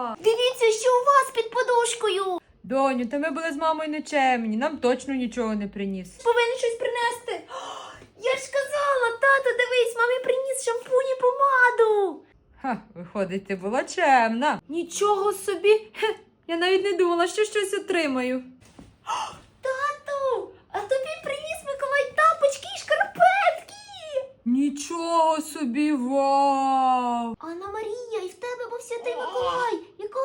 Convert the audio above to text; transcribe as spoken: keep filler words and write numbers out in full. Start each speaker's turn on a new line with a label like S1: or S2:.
S1: Дивіться, що у вас під подушкою.
S2: Доню, та ми були з мамою нечемні, нам точно нічого не приніс.
S1: Повинен щось принести. Я ж казала, тато, дивись, мамі приніс шампунь і помаду.
S2: Ха, виходить, ти була чемна.
S1: Нічого собі.
S2: Хе, я навіть не думала, що щось отримаю.
S1: Тату, а тобі приніс Миколай тапочки і шкарпетки.
S2: Нічого собі, вау!
S1: Анна Марія, і в тебе був святий Миколай. Яка